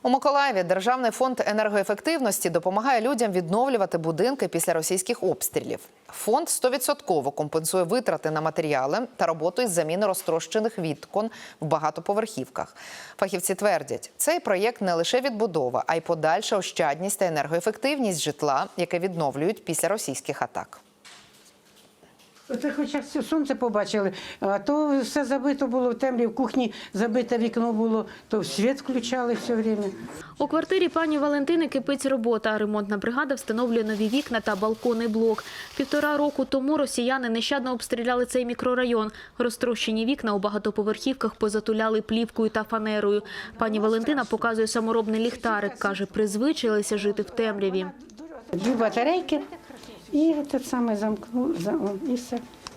У Миколаєві Державний фонд енергоефективності допомагає людям відновлювати будинки після російських обстрілів. Фонд 100% компенсує витрати на матеріали та роботу із заміни розтрощених вікон в багатоповерхівках. Фахівці твердять, цей проєкт не лише відбудова, а й подальша ощадність та енергоефективність житла, яке відновлюють після російських атак. Це хоча сонце побачили, а то все забито було в темряві, в кухні забите вікно було, то світ включали все время. У квартирі пані Валентини кипить робота. Ремонтна бригада встановлює нові вікна та балконний блок. 1,5 року тому росіяни нещадно обстріляли цей мікрорайон. Розтрощені вікна у багатоповерхівках позатуляли плівкою та фанерою. Пані Валентина показує саморобний ліхтарик. Каже, призвичилися жити в темряві. 2 батарейки і те саме замкнули, і все.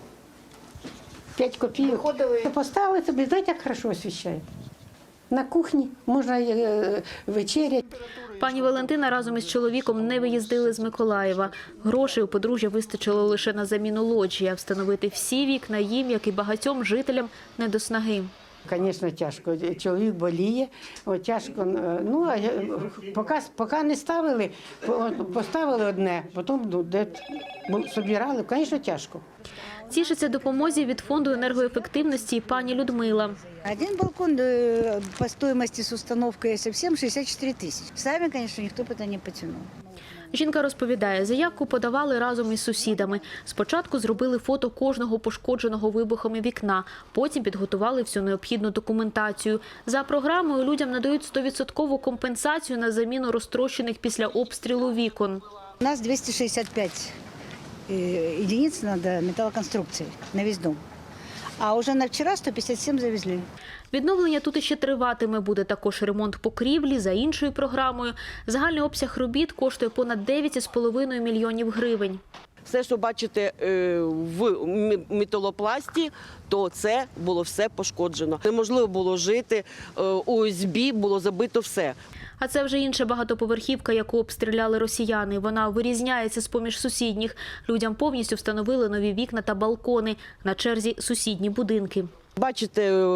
5 копійок. Поставили тобі, знаєте, як хорошо освіщає. На кухні можна вечеряти. Пані Валентина разом із чоловіком не виїздили з Миколаєва. Грошей у подружжя вистачило лише на заміну лоджії, а встановити всі вікна їм, як і багатьом жителям, не до снаги. Звісно, тяжко. Чоловік боліє, тяжко. Ну, поки не ставили, поставили одне, потім збирали, звісно, тяжко. Тішиться допомозі від фонду енергоефективності і пані Людмила. Один балкон по стоимости с установкой совсем 64 тысячи. Сами, конечно, никто бы это не потянул. Жінка розповідає, заявку подавали разом із сусідами. Спочатку зробили фото кожного пошкодженого вибухами вікна, потім підготували всю необхідну документацію. За програмою людям надають 100% компенсацію на заміну розтрощених після обстрілу вікон. У нас 265 единиц надо металлоконструкции на весь дом. А уже на вчера 157 завезли. Відновлення тут іще триватиме. Буде також ремонт покрівлі за іншою програмою. Загальний обсяг робіт коштує понад 9,5 мільйонів гривень. Все, що бачите в металопласті, то це було все пошкоджено. Неможливо було жити, ОСБ було забито все. А це вже інша багатоповерхівка, яку обстріляли росіяни. Вона вирізняється з-поміж сусідніх. Людям повністю встановили нові вікна та балкони. На черзі сусідні будинки. Бачите,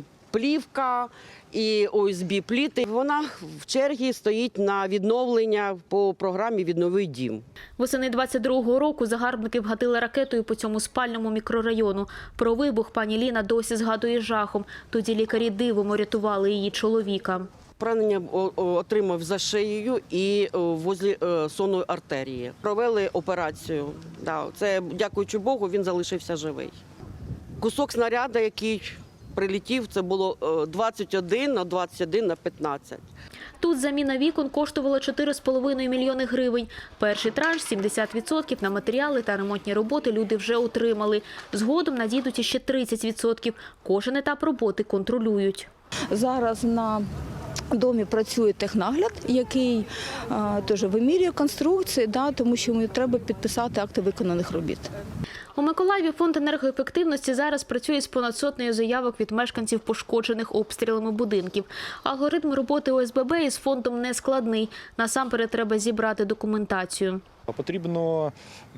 плівка і ОСБ-пліти. Вона в черзі стоїть на відновлення по програмі «Віднови дім». Восени 22-го року загарбники вгатили ракетою по цьому спальному мікрорайону. Про вибух пані Ліна досі згадує жахом. Тоді лікарі дивом рятували її чоловіка. Поранення отримав за шиєю і возле сонної артерії. Провели операцію. Це, дякуючи Богу, він залишився живий. Кусок снаряду, який прилетів, це було 21 на 21 на 15. Тут заміна вікон коштувала 4,5 мільйони гривень. Перший транш – 70% на матеріали та ремонтні роботи люди вже отримали. Згодом надійдуть іще 30%. Кожен етап роботи контролюють. Зараз на домі працює технагляд, який теж вимірює конструкції, тому що йому треба підписати акти виконаних робіт. У Миколаєві фонд енергоефективності зараз працює з понад 100 заявок від мешканців пошкоджених обстрілами будинків. Алгоритм роботи ОСББ із фондом не складний. Насамперед треба зібрати документацію. Потрібно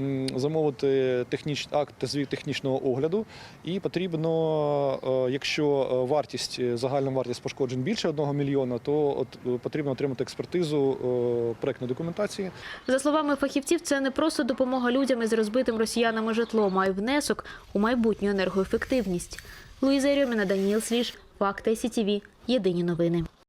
замовити акт звіт технічного огляду і потрібно, якщо загальна вартість пошкоджень більше 1 мільйона, то потрібно отримати експертизу проектної документації. За словами фахівців, це не просто допомога людям із розбитим росіянами житлом, а й внесок у майбутню енергоефективність. Луїза Єрьоміна, Даніїл Свіж, Факти СІТВ. Єдині новини.